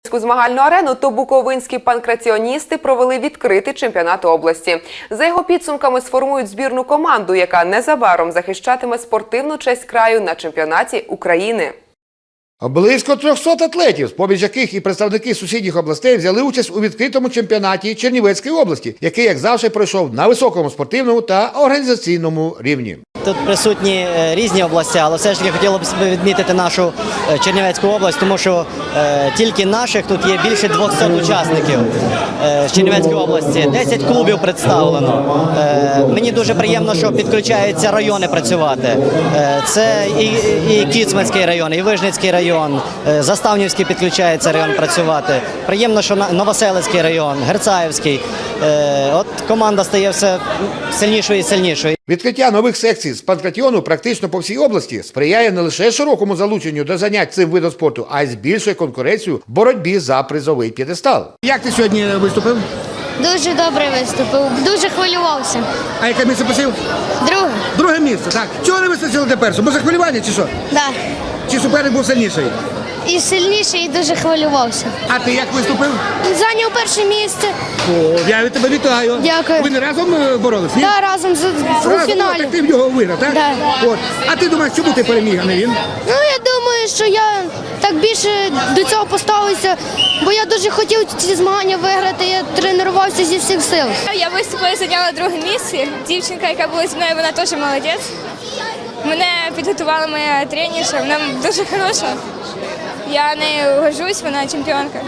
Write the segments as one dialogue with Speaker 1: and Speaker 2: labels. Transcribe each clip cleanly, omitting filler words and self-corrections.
Speaker 1: Буковинську змагальну арену, то буковинські панкраціоністи провели відкритий чемпіонат області. За його підсумками сформують збірну команду, яка незабаром захищатиме спортивну честь краю на чемпіонаті України.
Speaker 2: Близько 300 атлетів, з-поміж яких і представники сусідніх областей, взяли участь у відкритому чемпіонаті Чернівецької області, який, як завжди, пройшов на високому спортивному та організаційному рівні.
Speaker 3: Тут присутні різні області, але все ж таки хотіло б відмітити нашу Чернівецьку область, тому що тільки наших тут є більше 200 учасників з Чернівецької області. 10 клубів представлено. Мені дуже приємно, що підключаються райони працювати. Це і Кіцманський район, і Вижницький район, Заставнівський підключається район працювати. Приємно, що Новоселицький район, Герцаївський. От команда стає все сильнішою і сильнішою.
Speaker 2: Відкриття нових секцій з панкратіону практично по всій області сприяє не лише широкому залученню до занять цим видом спорту, а й збільшує конкуренцію в боротьбі за призовий п'єдестал. Як ти сьогодні виступив?
Speaker 4: Дуже добре виступив, дуже хвилювався.
Speaker 2: А яке місце посів?
Speaker 4: Друге?
Speaker 2: Друге місце, так. Чого не вистачило до першого? Бо за хвилювання чи що?
Speaker 4: Да.
Speaker 2: Чи суперник був сильніший?
Speaker 4: І сильніший, і дуже хвилювався.
Speaker 2: А ти як виступив?
Speaker 4: Зайняв перше місце.
Speaker 2: О, я від тебе вітаю.
Speaker 4: Дякую.
Speaker 2: Ви не разом боролись? Ні?
Speaker 4: Да, разом у
Speaker 2: Разом?
Speaker 4: фіналі.
Speaker 2: Так ти в нього виграв, так?
Speaker 4: Да.
Speaker 2: От. А ти думаєш, чому ти переміг, а не він?
Speaker 4: Ну, я думаю, що я так більше до цього поставився, бо я дуже хотів ці змагання виграти, я тренувався зі всіх сил.
Speaker 5: Я виступила і зайняла друге місце. Дівчинка, яка була зі мною, вона теж молодець. Мене підготувала моя тренерша, вона дуже хороша. Я нею горжусь, вона чемпіонка.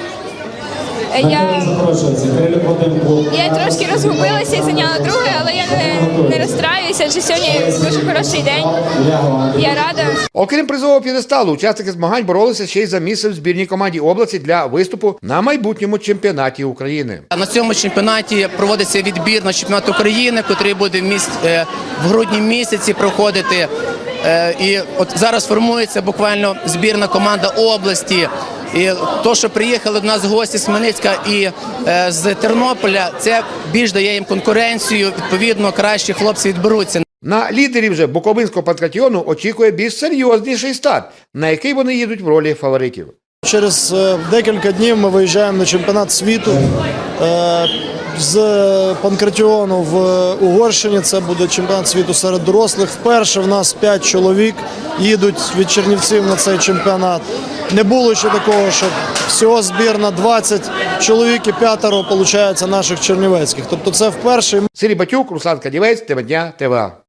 Speaker 5: Я трошки розгубилася і зайняла друге, але я не розстраюся, адже сьогодні дуже хороший день. Я рада.
Speaker 2: Окрім призового п'єдесталу, учасники змагань боролися ще й за місце в збірній команді області для виступу на майбутньому чемпіонаті України.
Speaker 6: На цьому чемпіонаті проводиться відбір на чемпіонат України, який буде в грудні місяці проходити. І от зараз формується буквально збірна команда області. І то, що приїхали до нас гості з Хмельницька і з Тернополя, це більш дає їм конкуренцію, відповідно, кращі хлопці відберуться.
Speaker 2: На лідерів же буковинського панкратіону очікує більш серйозніший старт, на який вони їдуть в ролі фаворитів.
Speaker 7: Через декілька днів ми виїжджаємо на чемпіонат світу з панкратіону в Угорщині. Це буде чемпіонат світу серед дорослих. Вперше в нас 5 чоловік їдуть від Чернівців на цей чемпіонат. Не було ще такого, що всього збірна 20 чоловік і 5 виходить наших чернівецьких. Тобто це вперше.
Speaker 2: Сергій Батюк, Руслан Кадівець, Тема дня, ТВА.